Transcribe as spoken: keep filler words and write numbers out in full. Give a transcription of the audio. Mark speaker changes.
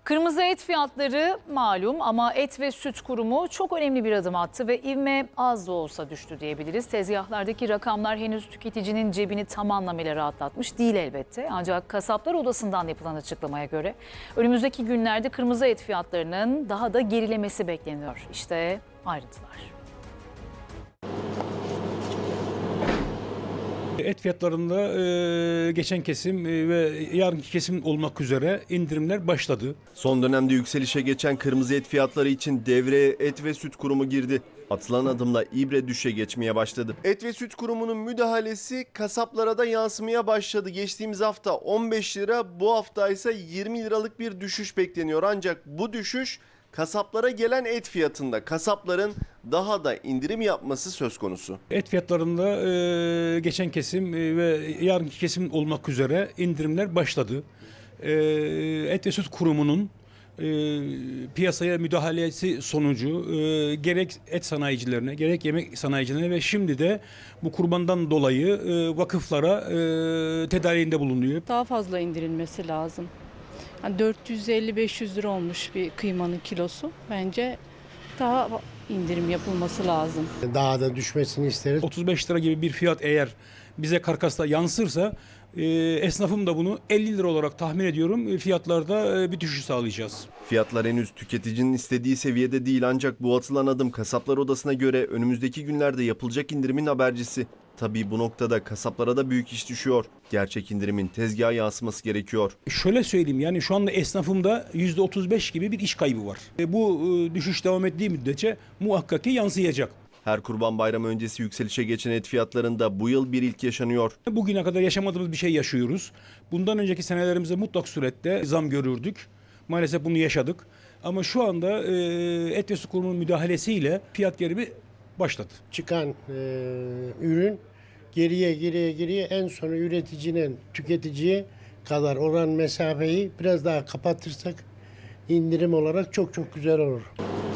Speaker 1: Kırmızı et fiyatları malum ama Et ve Süt Kurumu çok önemli bir adım attı ve ivme az da olsa düştü diyebiliriz. Tezgahlardaki rakamlar henüz tüketicinin cebini tam anlamıyla rahatlatmış değil elbette. Ancak Kasaplar Odası'ndan yapılan açıklamaya göre önümüzdeki günlerde kırmızı et fiyatlarının daha da gerilemesi bekleniyor. İşte ayrıntılar.
Speaker 2: Et fiyatlarında e, geçen kesim e, ve yarınki kesim olmak üzere indirimler başladı.
Speaker 3: Son dönemde yükselişe geçen kırmızı et fiyatları için devreye Et ve Süt Kurumu girdi. Atılan adımla ibre düşe geçmeye başladı. Et ve Süt Kurumu'nun müdahalesi kasaplara da yansımaya başladı. Geçtiğimiz hafta on beş lira, bu hafta ise yirmi liralık bir düşüş bekleniyor. Ancak bu düşüş kasaplara gelen et fiyatında. Kasapların daha da indirim yapması söz konusu.
Speaker 2: Et fiyatlarında e, geçen kesim e, ve yarınki kesim olmak üzere indirimler başladı. E, Et ve Süt Kurumu'nun e, piyasaya müdahalesi sonucu e, gerek et sanayicilerine gerek yemek sanayicilerine ve şimdi de bu kurbandan dolayı e, vakıflara e, tedariğinde bulunuyor.
Speaker 4: Daha fazla indirilmesi lazım. Yani dört yüz elli beş yüz lira olmuş bir kıymanın kilosu. Bence daha indirim yapılması lazım.
Speaker 5: Daha da düşmesini isteriz.
Speaker 2: otuz beş lira gibi bir fiyat eğer bize karkasta yansırsa e, esnafım da bunu elli lira olarak tahmin ediyorum. E, fiyatlarda e, bir düşüş sağlayacağız.
Speaker 3: Fiyatlar henüz tüketicinin istediği seviyede değil, ancak bu atılan adım Kasaplar Odası'na göre önümüzdeki günlerde yapılacak indirimin habercisi. Tabii bu noktada kasaplara da büyük iş düşüyor. Gerçek indirimin tezgaha yansıması gerekiyor.
Speaker 2: Şöyle söyleyeyim, yani şu anda esnafımda yüzde otuz beş gibi bir iş kaybı var. E, bu e, düşüş devam ettiği müddetçe muhakkak ki yansıyacak.
Speaker 3: Her Kurban Bayramı öncesi yükselişe geçen et fiyatlarında bu yıl bir ilk yaşanıyor.
Speaker 2: Bugüne kadar yaşamadığımız bir şey yaşıyoruz. Bundan önceki senelerimizde mutlak surette zam görürdük. Maalesef bunu yaşadık. Ama şu anda e, Et ve Süt Kurumu'nun müdahalesiyle fiyat gerimi başladı.
Speaker 5: Çıkan e, ürün geriye geriye geriye en sonu üreticinin tüketiciye kadar olan mesafeyi biraz daha kapatırsak indirim olarak çok çok güzel olur.